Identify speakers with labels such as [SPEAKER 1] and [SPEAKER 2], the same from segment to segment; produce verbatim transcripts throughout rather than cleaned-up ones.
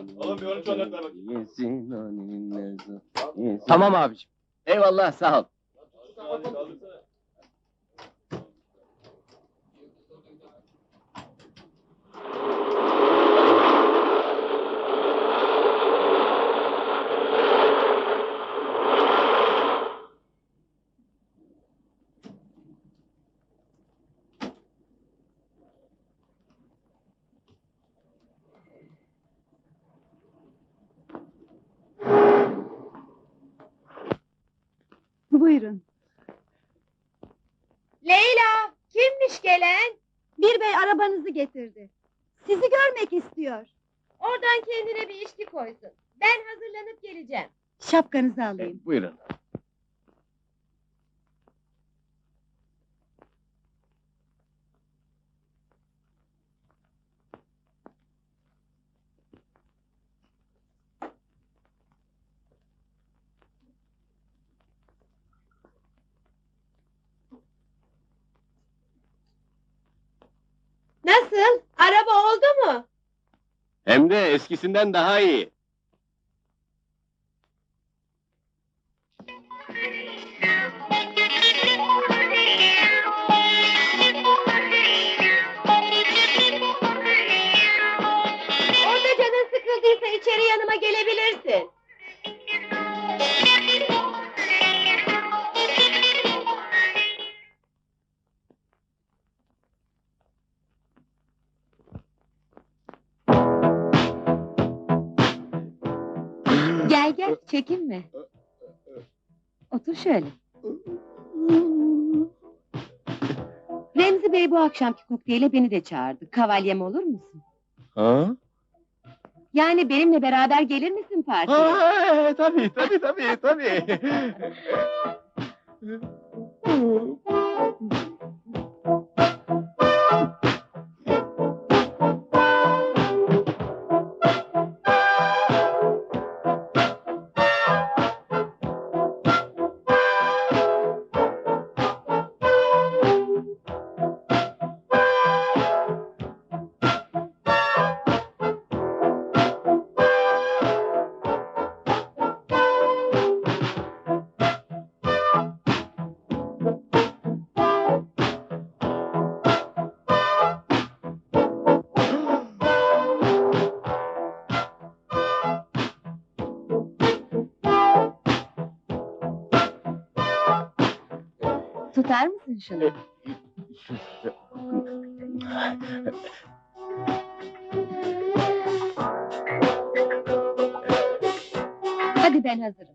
[SPEAKER 1] Tamam abiciğim.
[SPEAKER 2] Eyvallah, sağ ol.
[SPEAKER 3] Buyurun.
[SPEAKER 4] Leyla, kimmiş gelen?
[SPEAKER 3] Bir bey arabanızı getirdi. Sizi görmek istiyor.
[SPEAKER 4] Oradan kendine bir içki koysun. Ben hazırlanıp geleceğim.
[SPEAKER 3] Şapkanızı alayım.
[SPEAKER 2] Buyurun.
[SPEAKER 4] Nasıl? Araba oldu mu?
[SPEAKER 2] Hem de eskisinden daha iyi.
[SPEAKER 4] Orada canın sıkıldıysa içeri yanıma gelebilirsin.
[SPEAKER 3] Gel gel, çekinme. Otur şöyle. Remzi Bey bu akşamki kokteyle beni de çağırdı. Kavalyem olur musun?
[SPEAKER 2] Ha?
[SPEAKER 3] Yani benimle beraber gelir misin partiye?
[SPEAKER 2] Ha, tabii, tabii, tabii, tabii.
[SPEAKER 3] Tutar mısın şunu? Hadi ben hazırım.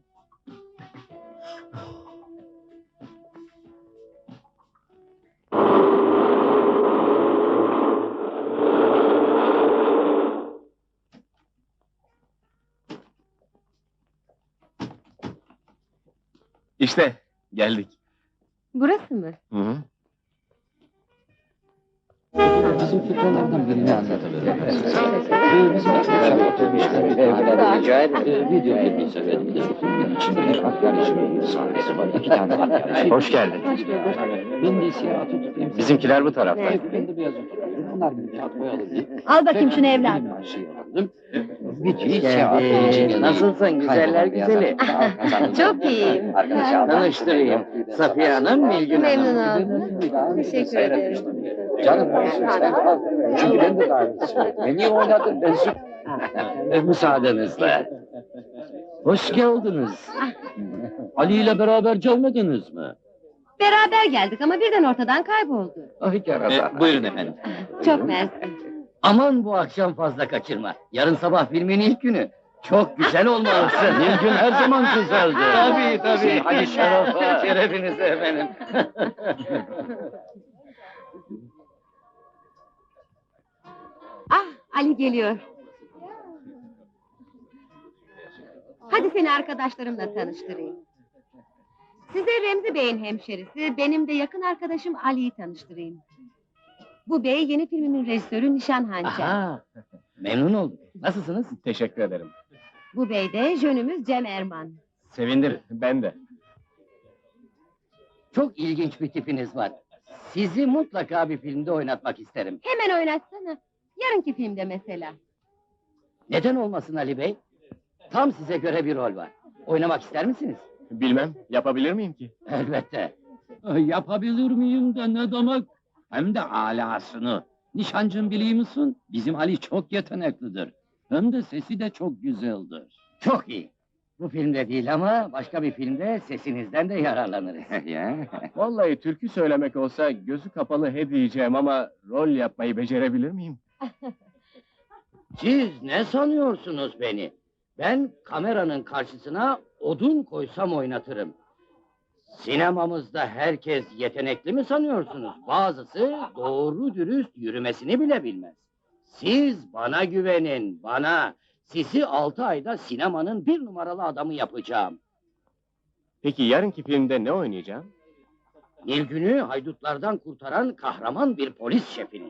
[SPEAKER 2] İşte, geldik.
[SPEAKER 3] Burası mı?
[SPEAKER 2] Hı hı.
[SPEAKER 1] Bizim fikirlerden birini anlatabilir misiniz? Bizim arkadaşlar oturmuşlar. Evlerde rica ederim. Video filmi seyredim de. İçinde bir arkadaşımın sahnesi var. İki tane arkadaşım.
[SPEAKER 2] Hoş geldin.
[SPEAKER 3] Hoş bulduk.
[SPEAKER 1] Ben de siyah Atatürk.
[SPEAKER 2] Bizimkiler bu tarafta.
[SPEAKER 1] Ben de beyaz oturuyorum. Bunlar bir kağıt boyalı değil.
[SPEAKER 3] Al bakayım şunu evladım.
[SPEAKER 1] Benim marşıyı aldım. Videoyu siyah için
[SPEAKER 5] Nasılsın güzeller güzeli?
[SPEAKER 3] Çok iyiyim.
[SPEAKER 5] Tanıştırayım. Safiye Hanım, Nilgün
[SPEAKER 3] Memnun
[SPEAKER 5] Hanım.
[SPEAKER 3] oldum. Teşekkür ederim.
[SPEAKER 1] Canım sen kal. Çünkü ben de davetçiyim. Beni oynadım. Ben süt.
[SPEAKER 5] Müsaadenizle. Hoş geldiniz. Ali ile beraber gelmediniz mi?
[SPEAKER 3] Beraber geldik ama birden ortadan kayboldu.
[SPEAKER 5] Ay yarasa.
[SPEAKER 2] E, buyurun efendim.
[SPEAKER 3] Çok mersi.
[SPEAKER 5] Aman bu akşam fazla kaçırma. Yarın sabah filmin ilk günü. Çok güzel olmalısın. Nilgün her zaman güzeldi.
[SPEAKER 2] Tabii, tabii.
[SPEAKER 5] Hadi şerefe. Şerefinize efendim.
[SPEAKER 3] Ah, Ali geliyor. Hadi seni arkadaşlarımla tanıştırayım. Size Remzi Bey'in hemşerisi, benim de yakın arkadaşım Ali'yi tanıştırayım. Bu bey yeni filmimin rejisörü Nişan Hançer.
[SPEAKER 5] Aha, memnun oldum. Nasılsınız?
[SPEAKER 2] Teşekkür ederim.
[SPEAKER 3] Bu bey de jönümüz Cem Erman.
[SPEAKER 2] Sevindir, ben de.
[SPEAKER 5] Çok ilginç bir tipiniz var. Sizi mutlaka bir filmde oynatmak isterim.
[SPEAKER 3] Hemen oynatsana. Yarınki filmde mesela.
[SPEAKER 5] Neden olmasın Ali Bey? Tam size göre bir rol var. Oynamak ister misiniz?
[SPEAKER 2] Bilmem, yapabilir miyim ki?
[SPEAKER 5] Elbette.
[SPEAKER 6] Yapabilir miyim de ne demek? Hem de alasını. Nişancım biliyor musun? Bizim Ali çok yeteneklidir. Hem de sesi de çok güzeldir.
[SPEAKER 5] Çok iyi. Bu filmde değil ama başka bir filmde sesinizden de yararlanırız.
[SPEAKER 6] Ya.
[SPEAKER 2] Vallahi türkü söylemek olsa gözü kapalı he diyeceğim ama rol yapmayı becerebilir miyim?
[SPEAKER 5] Siz ne sanıyorsunuz beni? Ben kameranın karşısına odun koysam oynatırım. Sinemamızda herkes yetenekli mi sanıyorsunuz? Bazısı doğru dürüst yürümesini bile bilmez. Siz bana güvenin, bana. Sizi altı ayda sinemanın bir numaralı adamı yapacağım.
[SPEAKER 2] Peki yarınki filmde ne oynayacağım?
[SPEAKER 5] Nilgün'ü haydutlardan kurtaran kahraman bir polis şefini.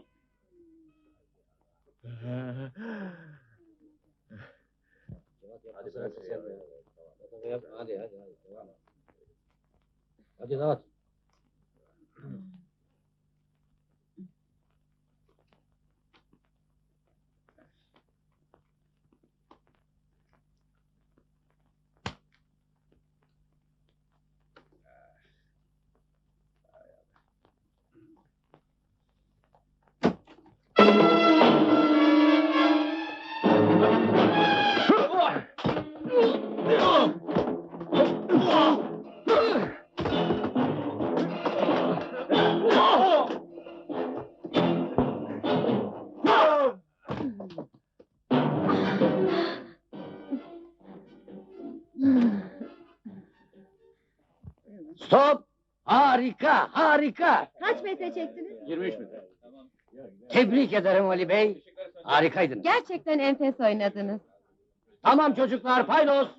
[SPEAKER 5] Hadi bırak sen de. Hadi hadi hadi. Hadi dağıt. Stop! Harika, harika!
[SPEAKER 4] Kaç metre çektiniz?
[SPEAKER 2] yirmi üç metre.
[SPEAKER 5] Tebrik ederim Ali Bey. Harikaydınız.
[SPEAKER 3] Gerçekten enfes oynadınız.
[SPEAKER 5] Tamam çocuklar, paydos!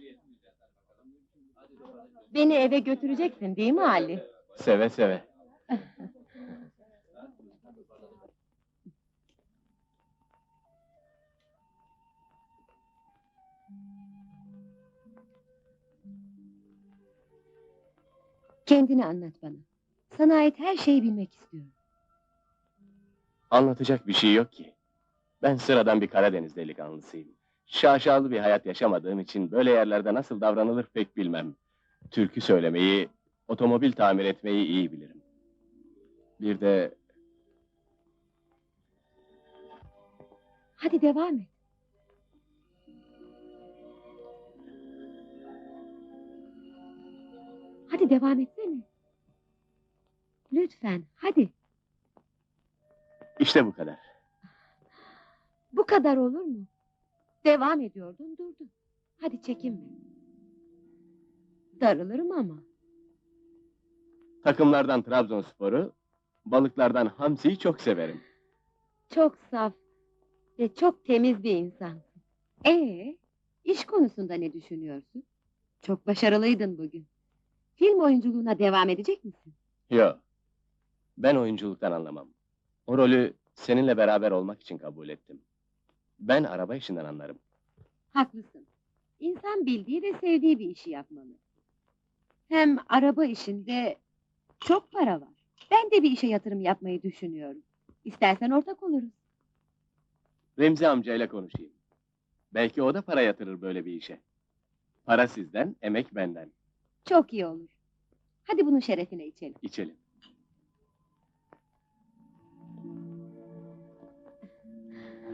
[SPEAKER 3] Beni eve götüreceksin değil mi Ali?
[SPEAKER 2] Seve seve.
[SPEAKER 3] Kendini anlat bana. Sana ait her şeyi bilmek istiyorum.
[SPEAKER 2] Anlatacak bir şey yok ki. Ben sıradan bir Karadeniz delikanlısıyım. Şaşalı bir hayat yaşamadığım için böyle yerlerde nasıl davranılır pek bilmem. Türkü söylemeyi, otomobil tamir etmeyi iyi bilirim. Bir de
[SPEAKER 3] Hadi devam et. Hadi devam etsene. Lütfen, hadi.
[SPEAKER 2] işte bu kadar.
[SPEAKER 3] Bu kadar olur mu? Devam ediyordun, durdun. Hadi çekinme. Darılırım ama.
[SPEAKER 2] Takımlardan Trabzonspor'u, balıklardan hamsiyi çok severim.
[SPEAKER 3] Çok saf ve çok temiz bir insansın. Ee, iş konusunda ne düşünüyorsun? Çok başarılıydın bugün. Film oyunculuğuna devam edecek misin?
[SPEAKER 2] Yo, ben oyunculuktan anlamam. O rolü seninle beraber olmak için kabul ettim. Ben araba işinden anlarım.
[SPEAKER 3] Haklısın. İnsan bildiği ve sevdiği bir işi yapmalı. Hem araba işinde çok para var. Ben de bir işe yatırım yapmayı düşünüyorum. İstersen ortak oluruz.
[SPEAKER 2] Remzi amcayla konuşayım. Belki o da para yatırır böyle bir işe. Para sizden, emek benden.
[SPEAKER 3] Çok iyi olur. Hadi bunun şerefine içelim.
[SPEAKER 2] İçelim.